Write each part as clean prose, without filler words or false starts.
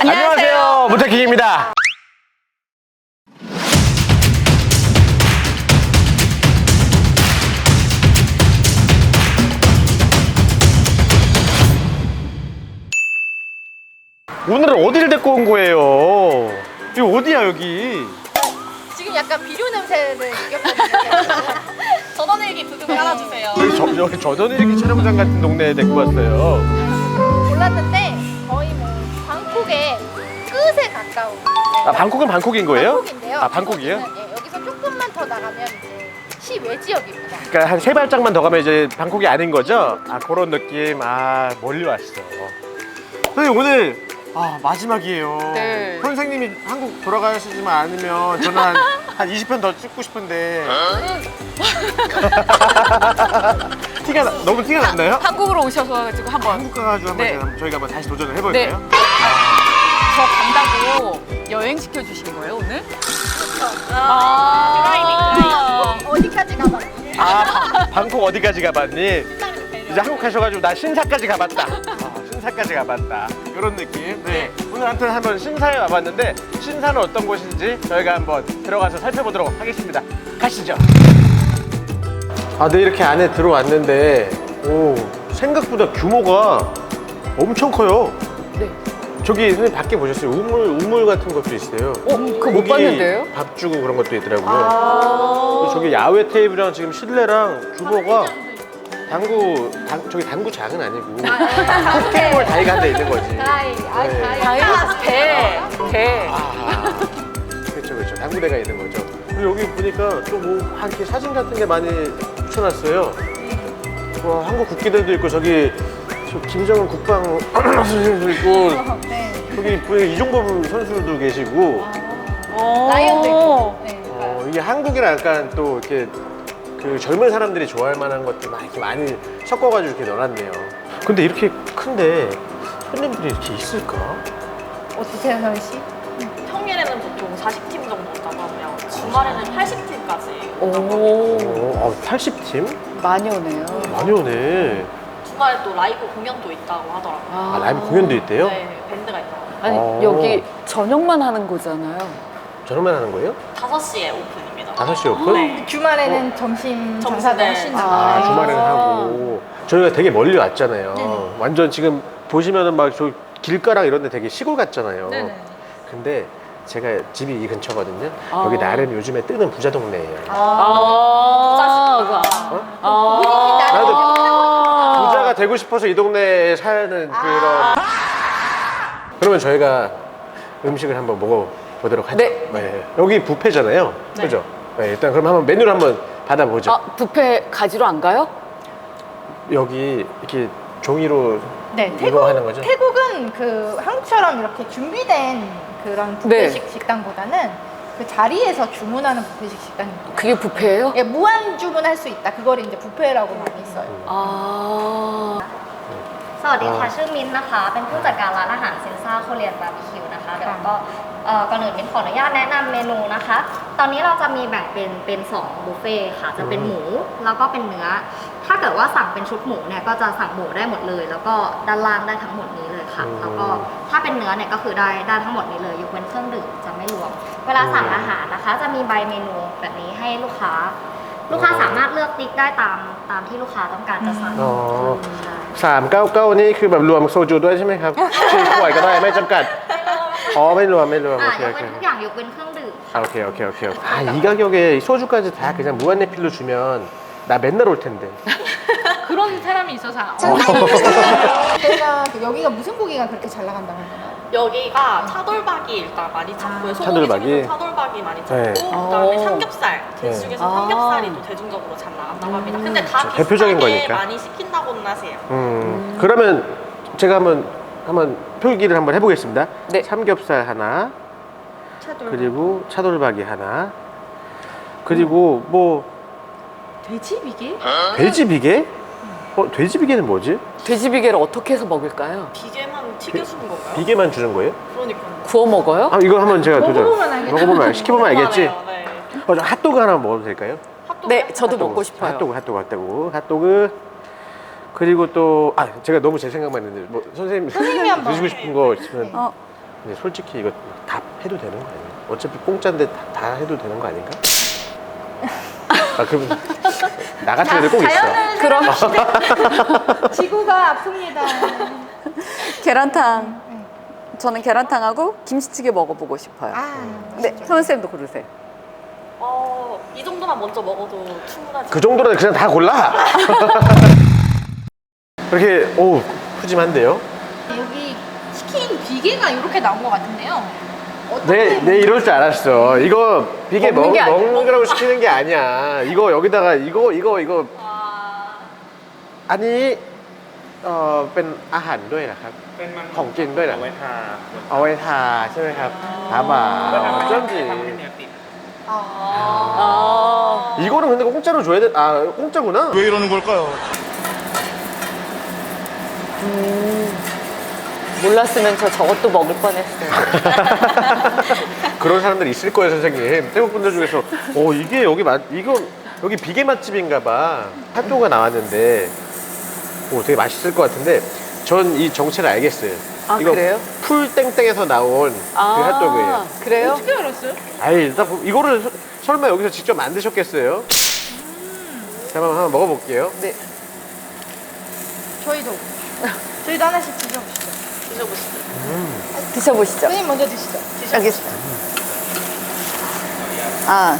안녕하세요. 문태킹입니다. 오늘은 어디를 데리고 온 거예요? 여기 어디야 여기? 지금 약간 비료 냄새를 느꼈거든요. 전원일기 부금 깔아주세요. 여기 저전일기 촬영장 같은 동네에 데리고 왔어요. 몰랐는데 거의 뭐 방콕의 끝에 가까운. 아, 방콕은 방콕인 거예요? 방콕인데요. 아, 방콕이에요? 예, 여기서 조금만 더 나가면 이제 시외 지역입니다. 그러니까 한 세 발짝만 더 가면 이제 방콕이 아닌 거죠? 아, 그런 느낌. 아, 멀리 왔어. 선생님 오늘 마지막이에요. 네. 선생님이 한국 돌아가시지만 않으면 저는 한 20편 더 찍고 싶은데 너무 티가 났나요? 한국으로 오셔가지고 한번 한국 가가지고 한번 네. 저희가 한번 다시 도전을 해볼까요? 네. 저 간다고 여행 시켜주신 거예요 오늘? 어디까지 가봤니? 방콕 어디까지 가봤니? 이제 한국 가셔가지고 나 신사까지 가봤다. 신사까지 가봤다. 이런 느낌. 네. 오늘 아무튼 한번 신사에 와봤는데 신사는 어떤 곳인지 저희가 한번 들어가서 살펴보도록 하겠습니다. 가시죠. 네, 이렇게 안에 들어왔는데 생각보다 규모가 엄청 커요. 네. 저기 선생님 밖에 보셨어요? 우물 같은 것도 있어요. 그거 못 고기 봤는데요? 밥 주고 그런 것도 있더라고요. 저기 야외 테이블이랑 지금 실내랑 규모가 저기 당구장은 아니고 포켓볼 다이가 한 대 있는 거지. 배. 그렇죠. 당구대가 있는 거죠. 그리고 여기 보니까 또 뭐 이렇게 사진 같은 게 많이 붙여놨어요. 와, 한국 국기들도 있고 저기 김정은 국방 선생님도 있고 저기 보니 이종범 선수도 계시고 라이언도 있고. 네. 이게 한국이랑 약간 또 이렇게 그 젊은 사람들이 좋아할 만한 것들 이렇게 많이 섞어가지고 이렇게 넣어놨네요. 근데 이렇게 큰데 손님들이 이렇게 있을까? 어떠세요, 서희 씨? 평일에는 보통 40팀 정도 온다고 하면 주말에는 80팀까지. 80팀? 많이 오네요. 많이 오네. 주말에 또 라이브 공연도 있다고 하더라고요. 라이브 공연도 있대요? 네, 밴드가 있다고. 아니 여기 저녁만 하는 거잖아요. 저녁만 하는 거예요? 5시에 오픈입니다. 5시 오픈? 네. 주말에는 점심 장사도 네. 하시는 주말에는 하고. 저희가 되게 멀리 왔잖아요. 완전 지금 보시면은 막 저 길가랑 이런 데 되게 시골 같잖아요. 네네. 근데 제가 집이 이 근처거든요. 여기 나름 요즘에 뜨는 부자 동네예요. 나도 부자가 되고 싶어서 이 동네에 사는 그런. 그러면 저희가 음식을 한번 먹어보도록 하죠. 네. 여기 뷔페잖아요. 네. 그죠? 네, 일단 그럼 한번 메뉴를 한번 받아보죠. 뷔페 가지러 안 가요? 여기 이렇게 종이로 네, 이거 하는 거죠? 태국은 그 한국처럼 이렇게 준비된 그런 뷔페식 식당보다는 그 자리에서 주문하는 뷔페식 식당입니다. 그게 뷔페예요? 예, 무한 주문할 수 있다. 그거를 이제 뷔페라고 많이 써요. สวัสดีค่ะชื่อมิ้นท์นะคะเป็นผู้จัดการร้านอาหารเซนซ่าโคเรียนบาร์บีคิวนะคะเดี๋ยวก็ก่อนอื่นมิ้นขออนุญาตแนะนำเมนูนะคะตอนนี้เราจะมีแบ่งเป็น2บุฟเฟ่ค่ะจะเป็นหมูแล้วก็เป็นเนื้อถ้าเกิดว่าสั่งเป็นชุดหมูเนี่ยก็จะสั่งหมูได้หมดเลยแล้วก็ด้านล่างได้ทั้งหมดนี้เลยค่ะแล้วก็ถ้าเป็นเนื้อเนี่ยก็คือได้ทั้งหมดนี้เลยยกเว้นเครื่องดื่มจะไม่รวมเวลาสั่งอาหารนะคะจะมีใบเมนูแบบนี้ให้ลูกค้าสามารถเลือกติ๊กได้ตามที่ลูกค้าต้องการจะสั่ง 399นี่คือแบบรวมโซจูด้วยใช่ไหมครับ4 ขวดก็ได้ไม่จำกัดไม่รวมโอเคยกเว้นทุกอย่างยกเว้นเครื่องดื่ม 오케이. 이 가격에 소주까지 다 그냥 무한리필로 주면 나 맨날 올 텐데. 그런 사람이 있어서. 제가 여기가 무슨 고기가 그렇게 잘 나간다고 하나요? 여기가 차돌박이 일단 많이 찾고요. 소고기 차돌박이? 중에서 차돌박이 많이 찾고 네. 그다음에 삼겹살. 네. 돼지 중에서 삼겹살이 또 대중적으로 잘 나간다고 합니다. 근데 다 대표적인 비슷하게 거니까. 많이 시킨다고는 하세요. 그러면 제가 한번 표기를 한번 해보겠습니다. 네. 삼겹살 하나, 그리고 차돌박이 하나, 그리고 뭐 돼지 비계? 돼지 비계? 돼지 비계는 뭐지? 돼지 비계를 어떻게 해서 먹을까요? 비계만 튀겨주는 건가요? 비계만 주는 거예요? 그러니까요. 구워 먹어요? 이거 한번 제가 먹어보면 알겠다. 먹어보면 시켜보면 알겠지? 네. 핫도그 하나 먹어도 될까요? 네, 저도 먹고 싶어요. 핫도그. 그리고 또 제가 너무 제 생각만 했는데 뭐 선생님이 한번. 드시고 싶은 거 있으면 근데 솔직히 이거 다 해도 되는 거 아니에요? 어차피 공짜인데 다 해도 되는 거 아닌가? 아 그럼 나 같은 애들 꼭 있어. 자연을 그럼 지구가 아픕니다. 계란탕. 저는 계란탕하고 김치찌개 먹어보고 싶어요. 아, 네, 선생님도 고르세요. 이 정도만 먼저 먹어도 충분하지. 그 정도는 그냥 다 골라. 이렇게 오 푸짐한데요? 여기 치킨 비계가 이렇게 나온 것 같은데요. 내 이럴 줄 알았어. 이거 비계 먹는 게 아니야. 먹는 거라고 시키는 게 아니야. 이거 여기다가 이거 아니 เป็นอาหารด้วยนะครับเป็นมันของกินด้วยเหรอเอาไว้ทาเอาไว้ทาใช่ไหมครับทาบ่า 어쩐지 ทำให้เนื้อติด 이거는 근데 공짜로 줘야 돼. 아 공짜구나. 왜 이러는 걸까요? 몰랐으면 저 저것도 먹을 뻔했어요. 그런 사람들 있을 거예요, 선생님. 태국 분들 중에서 이게 이거 여기 비계 맛집인가봐. 핫도그가 나왔는데 되게 맛있을 것 같은데 전 이 정체를 알겠어요. 아, 이거 그래요? 풀땡땡에서 나온 그 핫도그예요. 그래요? 어떻게 알았어요? 아이 일단 이거를 설마 여기서 직접 만드셨겠어요? 자, 한번 먹어볼게요. 네. 저희도 하나씩 드셔보시죠. 드셔보시죠. 드셔보시죠. 선생님 먼저 드시죠. 알겠습니다. 아.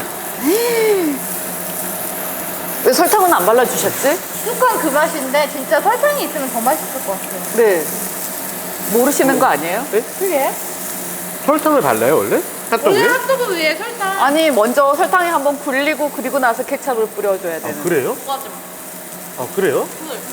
왜 설탕은 안 발라주셨지? 쑥한 그 맛인데 진짜 설탕이 있으면 더 맛있을 것 같아요. 네. 모르시는 거 아니에요? 그게? 설탕을 발라요 원래? 원래 핫도그에? 핫도그 위에 설탕. 아니, 먼저 설탕에 한번 굴리고 그리고 나서 케찹을 뿌려줘야 아 되는. 그래요? 맞아. 아 그래요?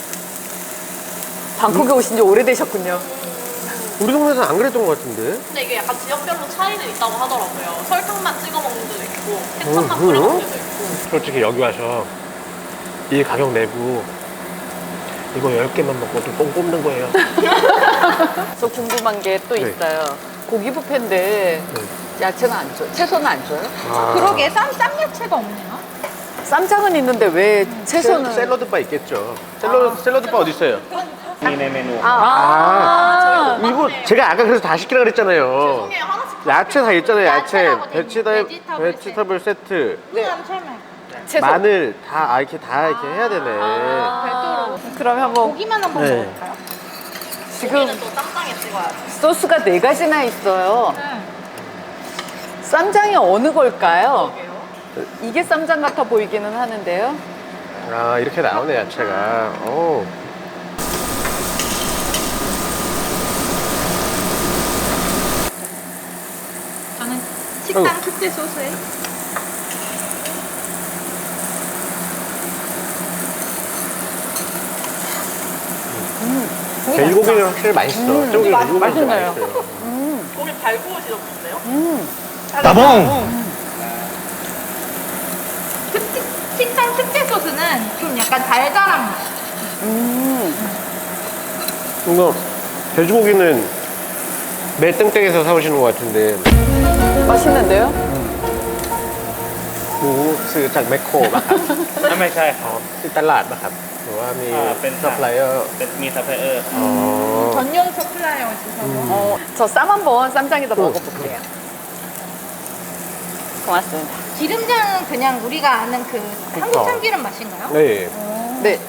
방콕에 오신 지 오래되셨군요. 우리 동네에서는 안 그랬던 것 같은데. 근데 이게 약간 지역별로 차이는 있다고 하더라고요. 설탕만 찍어 먹는 데도 있고, 케첩만 뿌려 먹는 데도 있고. 솔직히 여기 와서 이 가격 내고 이거 10개만 먹고도 뽕 뽑는 거예요. 저 궁금한 게 또 네. 있어요. 고기 뷔페인데 야채는 안 줘요? 채소는 안 줘요? 아. 그러게 쌈야채가 없네요. 쌈장은 있는데 왜 채소는? 샐러드바 있겠죠. 샐러드바 어디 있어요? มีในเมนู 아, 이거 제가 아까 그래서 다 시키라 그랬잖아요. 죄송해요. 하나씩 야채 다 있잖아요. 야채, 야채라고 돼 있는 베지터블 세트, 그다음 설명. 채소. 마늘 다 이렇게 해야 되네. 별도로. 그럼 한번 고기만 한번 네. 먹을까요? 지금 고기는 또 쌈장에 찍어야지. 소스가 4가지나 있어요. 응. 쌈장이 어느 걸까요? 그러게요. 이게 쌈장 같아 보이기는 하는데요. 아 이렇게 나오네 야채가. 오. 저는 식당 특제 소스에 돼지고기는 확실히 맛있어. 저기 돼지고기 맛있네요. 맛있어요. 고기 잘 구워지셨는데요? 식당 특제 소스는 좀 약간 달달한 맛. 이거 돼지고기는 매 땡땡에서 사오시는 것 같은데. 맛있는데요? หมูซื้อจากแมคโครป่ะครับไม่ใช่ครับที่ตลาดป่ะครับหรือว่ามีเป็นซัพพลายเออร์เป็นมีซัพพลายเออร์อ๋อ 전용 서플라이어 주셔서. 저 쌈 한번 쌈장에다 먹어볼게요. 고맙습니다. 기름장은 그냥 우리가 아는 그 한국 참기름 맛인가요? 네. 네.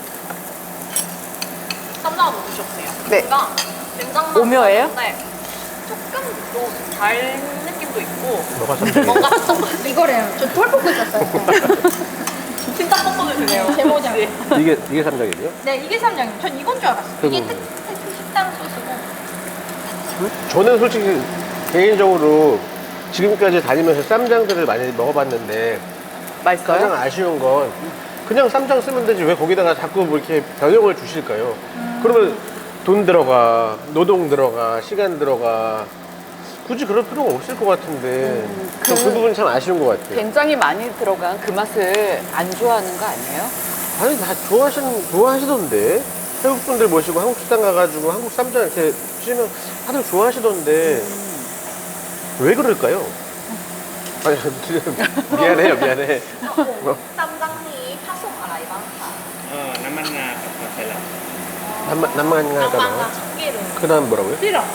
쌈장을 넣어주셨어요. 네. 그러니까 된장만 오묘해요? 넣었는데 조금 달 느낌도 있고 뭐가 쌈장이에요? 뭔가 좀 이거래요. 저 털 뽑고 있었어요. 진짜 뻑뻑해 주네요. 제모장. 이게 쌈장이에요? 네, 이게 쌈장이에요. 전 이건 줄 알았어요. 이게 그럼. 식당 소스고. 저는 솔직히 개인적으로 지금까지 다니면서 쌈장들을 많이 먹어봤는데 가장 맛있어요? 아쉬운 건 그냥 쌈장 쓰면 되지 왜 거기다가 자꾸 뭐 이렇게 변형을 주실까요? 그러면 돈 들어가, 노동 들어가, 시간 들어가 굳이 그럴 필요가 없을 것 같은데 그 부분이 참 아쉬운 것 같아요. 된장이 많이 들어간 그 맛을 안 좋아하는 거 아니에요? 아니 다 좋아하시던데 태국 분들 모시고 한국 식당 가가지고 한국 쌈장 이렇게 주시면 다들 좋아하시던데 왜 그럴까요? 아니 미안해요 미안해. 뭐, 쌈장이 파속 알아이방카. น้ำมันงากับมอสซาเรลล่า 남만 낭만과 가잖아. 참기름. 그다음 뭐라고요? 싫어. 싫어.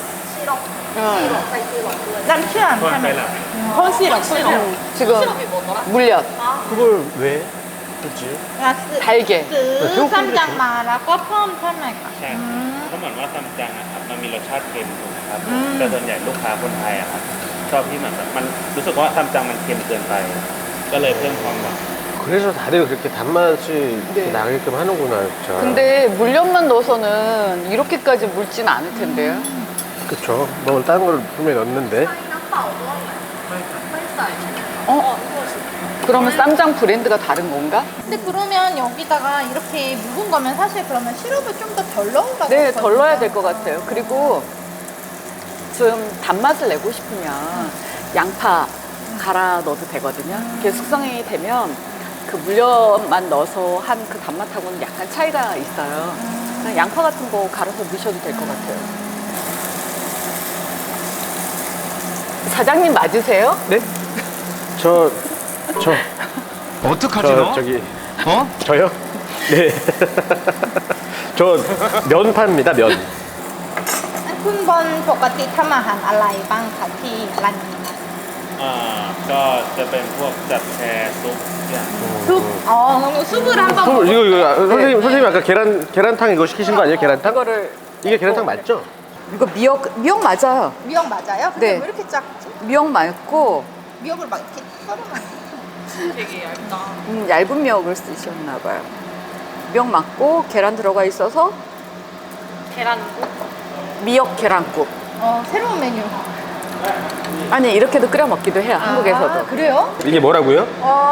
짬치안 คนไป 하면 หลับ 콘시럽 시럽. 지금 시럽이 뭐더라? 물엿, 그걸 왜 굳이? 달걀. ซื้อซัมจังมาแล้วก็เพิ่มใช่ไหมคะใช่ครับเพราะเหมือนว่าซัมจังอะครับมันมีรสชาติเค็มถูกไหมครับอืมแต่ส่วนใหญ่ลูกค้าคนไทยอะครับชอบที่เหมือนแบบมันรู้สึกว่าซัมจังมันเค็มเกินไป ก็เลยเพิ่มความหวาน 그래서 다들 그렇게 단맛이 이렇게 네. 나게끔 하는구나, 진짜. 근데 물엿만 넣어서는 이렇게까지 묽진 않을 텐데요. 그쵸. 뭐 다른 걸 분명히 넣었는데. น้ำเปล่าด้วยไหมไม่ใส่ใช่ไหม 어? 그러면 쌈장 브랜드가 다른 건가? 근데 그러면 여기다가 이렇게 묵은 거면 사실 그러면 시럽을 좀 더 덜 넣으라고 네, 했거든요. 덜 넣어야 될 것 같아요. 그리고 좀 단맛을 내고 싶으면 양파 갈아 넣어도 되거든요. 그게 숙성이 되면 그 물엿만 넣어서 한 그 단맛하고는 약간 차이가 있어요. 그냥 양파 같은 거 갈아서 넣으셔도 될 것 같아요. 사장님 맞으세요? 네? 저 어떡하지 너? 저기 어? 저요? 네. 저 면파입니다, 면. คุณบอลปกติทำอาหารอะไรบ้างคะที่ร้านนี้ก็จะเป็นพวกจัดแชร์ซุปอย่าง 숲? 그럼 숲을 한번 술, 선생님 아까 계란탕 이거 시키신 거 아니에요? 계란탕? 이거를 이게 계란탕 맞죠? 이거 미역 맞아요. 미역 맞아요? 근데 네. 왜 이렇게 작지? 미역 맞고 미역을 막 이렇게 썰어놨네. 되게 얇다. 얇은 미역을 쓰셨나 봐요. 미역 맞고 계란 들어가 있어서 계란국. 미역 계란국. 새로운 메뉴. 아니 이렇게도 끓여 먹기도 해요. 한국에서도. 아, 그래요? 이게 뭐라고요?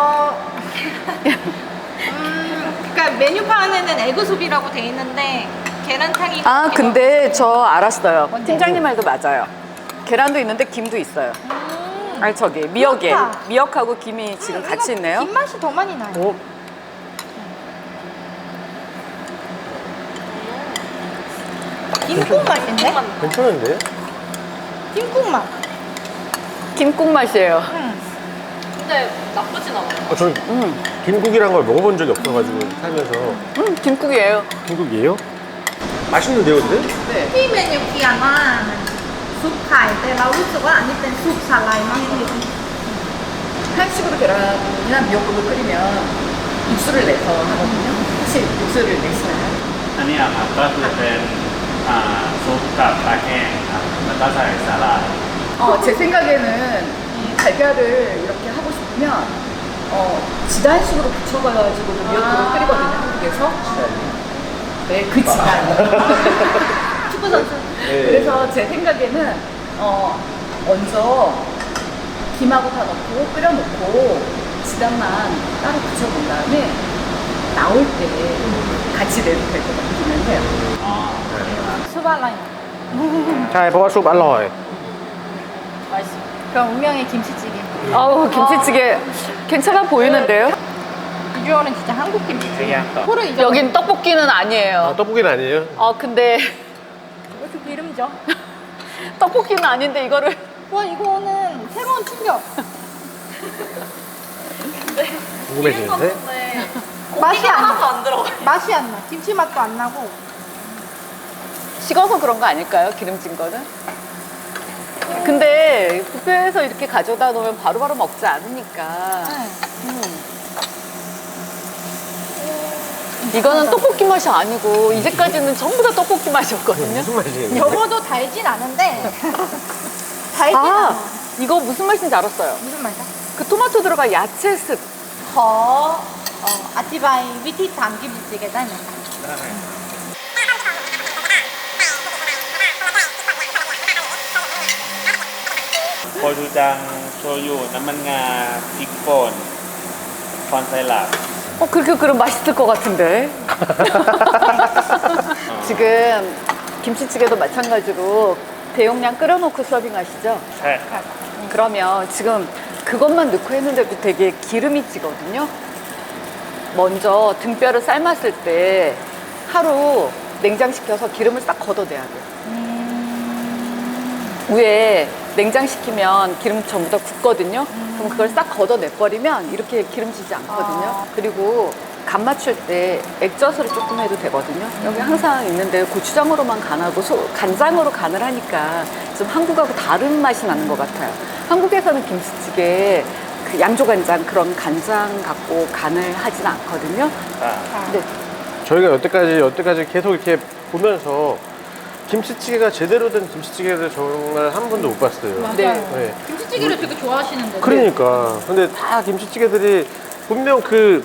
그러니까 메뉴판에는 에그숲이라고 돼 있는데 계란탕이 아 근데 저 알았어요. 뭔데? 팀장님 말도 맞아요. 계란도 있는데 김도 있어요. 아니 저기 미역에 그렇다. 미역하고 김이 지금 같이 있네요. 김 맛이 더 많이 나요. 어? 김국 맛인데? 괜찮은데? 김국 맛. 김국 맛이에요. 근데 나쁘진 않아요. 저는 김국이란 걸 먹어본 적이 없어가지고 살면서. 김국이에요. 김국이에요? 맛있는데요, 근데? 네. ที่เมนูเขียนว่าซุปไข่แต่เรารู้สึกว่าอันนี้เป็นซุปสาหร่ายมากกว่า 한식으로 계란이나 미역국을 끓이면 육수를 내서 하거든요. 혹시 육수를 내시나요? อันนี้อะครับก็คือเป็นซุปกับปลาแห้งครับแล้วก็ใส่สาหร่าย 제 생각에는 이 달걀을 이렇게 하고 싶으면 지단식으로 붙여가지고 미역국을 끓이거든요. 한국에서. 네, 그 지단. 축구 선수. 네. 그래서 제 생각에는 먼저 김하고 다 넣고 끓여놓고 지단만 따로 붙여본 다음에 나올 때 같이 내도 될 것 같기는 해요. ซุปอะไรใช่เพราะว่าซุปอร่อย 맛있어. 그럼 운명의 김치찌개. 아우 김치찌개 괜찮아 보이는데요? 비주얼은 진짜 한국 김치찌개. 그냥 또. 코를 잊어. 여긴 떡볶이는 아니에요. 아, 떡볶이는 아니에요? 근데 이것도 기름져. 떡볶이는 아닌데 이거를 와 이거는 새로운 충격. 궁금해지는데? 근데 맛이 안 하나도 나. 안 들어가. 맛이 안 나. 김치 맛도 안 나고. 식어서 그런 거 아닐까요? 기름진 거는? 근데 뷔페에서 이렇게 가져다 놓으면 바로바로 먹지 않으니까 이거는 떡볶이 맛이 아니고 이제까지는 전부 다 떡볶이 맛이었거든요. 무슨 맛이겠는데? 적어도 달진 않은데 달진 아 않아. 이거 무슨 맛인지 알았어요. 무슨 말이야? 그 토마토 들어가 야채 습. ขออธิบายวิธีทำกิมจิจิเกะได้ไหมคะโคชูจังโชยุน้ำมันงาพริกป่นคอนไซรัป 그렇게 그럼 맛있을 것 같은데. 지금 김치찌개도 마찬가지로 대용량 끓여놓고 서빙하시죠? ใช่ครับ 그러면 지금 그것만 넣고 했는데도 되게 기름이 찌거든요. 먼저 등뼈를 삶았을 때 하루 냉장시켜서 기름을 싹 걷어내야 돼요. 위에 냉장시키면 기름 전부 다 굳거든요. 그럼 그걸 싹 걷어내버리면 이렇게 기름지지 않거든요. 그리고 간 맞출 때 액젓으로 조금 해도 되거든요. 여기 항상 있는데 고추장으로만 간하고 간장으로 간을 하니까 좀 한국하고 다른 맛이 나는 것 같아요. 한국에서는 김치찌개에 그 양조간장 그런 간장 갖고 간을 하진 않거든요. 근데 저희가 여태까지 계속 이렇게 보면서 김치찌개가 제대로 된 김치찌개를 정말 한 번도 못 봤어요. 맞아요. 네. 김치찌개를 되게 좋아하시는데. 그러니까. 근데 다 김치찌개들이 분명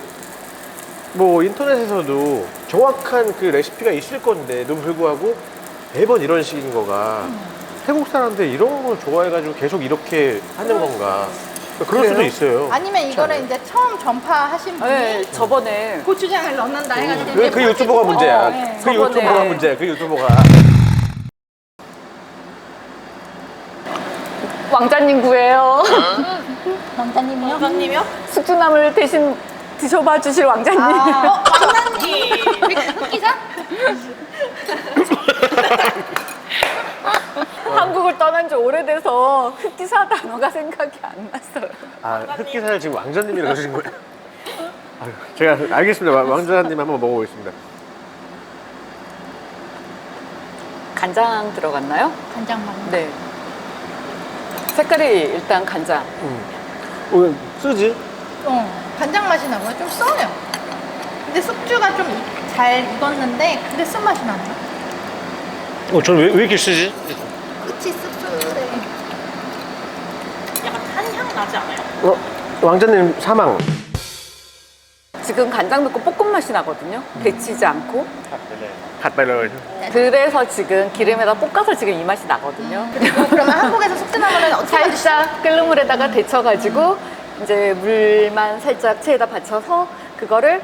뭐 인터넷에서도 정확한 그 레시피가 있을 건데도 불구하고 매번 이런 식인 거가 태국 사람들이 이런 걸 좋아해가지고 계속 이렇게 하는 건가. 그럴 수도 있어요. 아니면 이거를 이제 처음 전파하신 분이 네, 저번에 고추장을 넣는다 해가지고 그 유튜버가 문제야. 네. 그 저번에- 유튜버가 문제야. 그 유튜버가. 왕자님 구해요. 왕자님이요? 원장님이요? 숙주나물 대신 드셔봐 주실 왕자님. 왕자님 기사? 한국을 떠난 지 오래돼서 흑기사 단어가 생각이 안 났어요. 아, 흑기사를 지금 왕자님이라고 하신 거예요? 아유, 제가 알겠습니다. 왕자님 한번 먹어보겠습니다. 간장 들어갔나요? 간장만. 네. 색깔이 일단 간장. 오늘 쓰지? 간장 맛이 나고요. 좀 써요. 근데 숙주가 좀 잘 익었는데 근데 쓴맛이 나네요. 저는 왜 이렇게 쓰지? 끝이 씁쓸해. 약간 탄향 나지 않아요? 왕자님 사망. 지금 간장 넣고 볶음 맛이 나거든요. 데치지 않고. 갓발을. 그래서 지금 기름에다 볶아서 지금 이 맛이 나거든요. 그리고 그러면 한국에서 숙주나물은 어떻게 만드시죠? 살짝 끓는 물에다가 데쳐가지고 이제 물만 살짝 체에다 받쳐서 그거를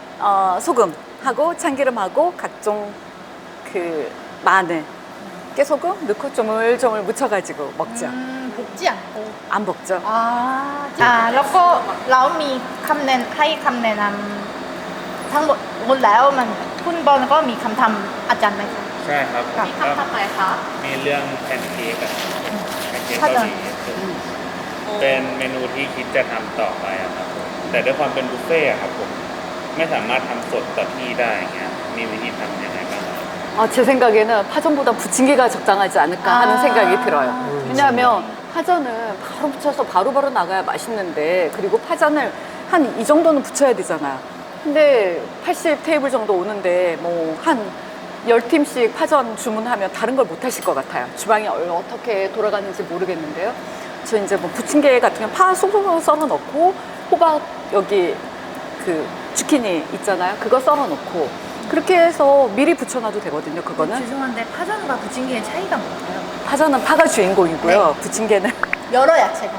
소금하고 참기름하고 각종 그 마늘, 깨소금 넣고 조물조물 묻혀가지고 먹죠. 볶지 않고. 안 먹죠. แล้วก็เรามีคำแนะให้คำแนะนำทั้งหมดแล้วมันคุณบอลก็มีคำทำอาจารย์ไหมคะใช่ครับค่ะก็ทำอะไรคะมีเรื่องแพนเค้กอะแพนเค้กถ้าเกาจะหลีเป็นเมนูที่คิดจะทำต่อไปอะครับผมแต่ด้วยความเป็นบุฟเฟ่ต์อะครับผมไม่สามารถทำสดต่อที่ได้อย่างเงี้ยมีวิธีทำยังไงบ้างครับ 제 생각에는 파전보다 부침개가 적당하지 않을까 하는 생각이 들어요. 왜냐하면 파전은 바로 부쳐서 바로바로 나가야 맛있는데 그리고 파전을 한 이 정도는 부쳐야 되잖아요. 근데 80 테이블 정도 오는데 뭐 한 10팀씩 파전 주문하면 다른 걸 못 하실 것 같아요. 주방이 어떻게 돌아가는지 모르겠는데요. 저 이제 뭐 부침개 같은 경우 파 쏙쏙 썰어 넣고 호박 여기 그 주키니 있잖아요. 그거 썰어 놓고 그렇게 해서 미리 부쳐놔도 되거든요. 그거는 죄송한데 파전과 부침개의 차이가 뭔가요? 파전은 파가 주인공이고요. 네. 부침개는 여러 야채가.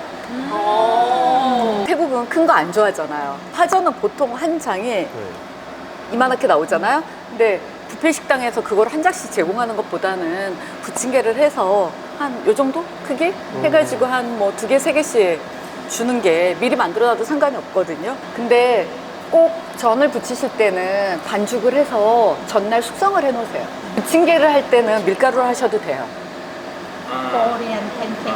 태국은 큰 거 안 좋아하잖아요. 파전은 보통 한 장에 이만하게 나오잖아요. 근데 뷔페 식당에서 그걸 한 장씩 제공하는 것보다는 부침개를 해서 한 요 정도 크기 해가지고 한 뭐 2개, 3개씩 주는 게 미리 만들어놔도 상관이 없거든요. 근데 꼭 전을 부치실 때는 반죽을 해서 전날 숙성을 해 놓으세요. 부침개를 할 때는 밀가루를 하셔도 돼요. 코리안 팬케이크.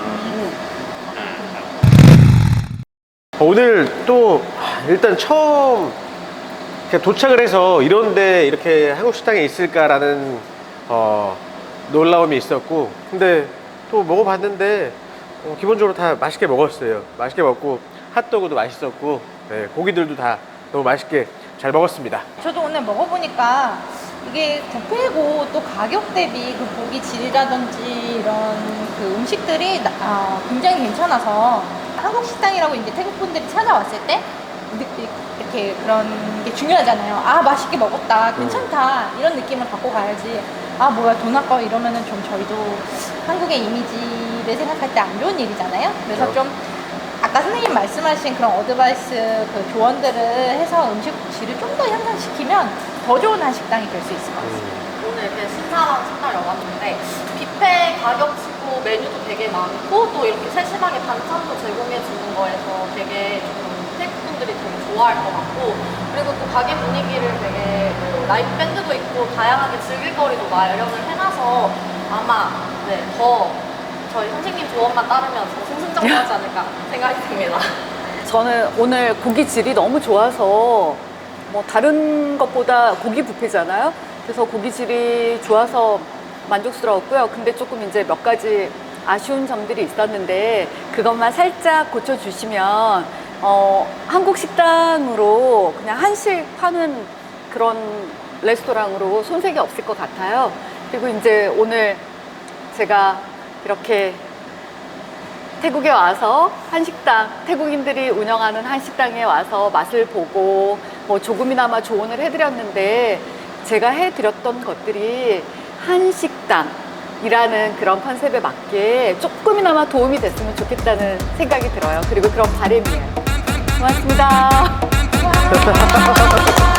오늘 또 일단 처음 이렇게 도착을 해서 이런데 이렇게 한국 식당에 있을까라는 놀라움이 있었고, 근데 또 먹어봤는데 기본적으로 다 맛있게 먹었어요. 맛있게 먹고 핫도그도 맛있었고, 네, 고기들도 다 너무 맛있게 잘 먹었습니다. 저도 오늘 먹어보니까 이게 뷔페고 또 가격 대비 그 고기 질이라든지 이런 그 음식들이 굉장히 괜찮아서 한국 식당이라고 이제 태국 분들이 찾아왔을 때 이렇게 그런 게 중요하잖아요. 아, 맛있게 먹었다, 괜찮다 이런 느낌을 갖고 가야지. 아, 뭐야 돈 아까워 이러면은 좀 저희도 한국의 이미지를 생각할 때 안 좋은 일이잖아요. 그래서 좀 아까 선생님 말씀하신 그런 어드바이스 그 조언들을 해서 음식 질을 좀 더 향상시키면 더 좋은 한식당이 될 수 있을 것 같습니다. 오늘 이렇게 신사랑 식당에 와봤는데 뷔페 가격치고 메뉴도 되게 많고 또 이렇게 세심하게 반찬도 제공해 주는 거에서 되게 좀 태국 분들이 되게 좋아할 것 같고, 그리고 또 가게 분위기를 되게 뭐 라이브 밴드도 있고 다양하게 즐길 거리도 마련을 해놔서 아마 더 저희 선생님 조언만 따르면 더 승승장구하지 않을까 생각이 듭니다. 저는 오늘 고기 질이 너무 좋아서 뭐 다른 것보다 고기 뷔페잖아요. 그래서 고기질이 좋아서 만족스러웠고요. 근데 조금 이제 몇 가지 아쉬운 점들이 있었는데 그것만 살짝 고쳐주시면 한국 식당으로 그냥 한식 파는 그런 레스토랑으로 손색이 없을 것 같아요. 그리고 이제 오늘 제가 이렇게 태국에 와서 한식당, 태국인들이 운영하는 한식당에 와서 맛을 보고 뭐 조금이나마 조언을 해드렸는데 제가 해드렸던 것들이 한식당이라는 그런 컨셉에 맞게 조금이나마 도움이 됐으면 좋겠다는 생각이 들어요. 그리고 그런 바람이에요. 고맙습니다.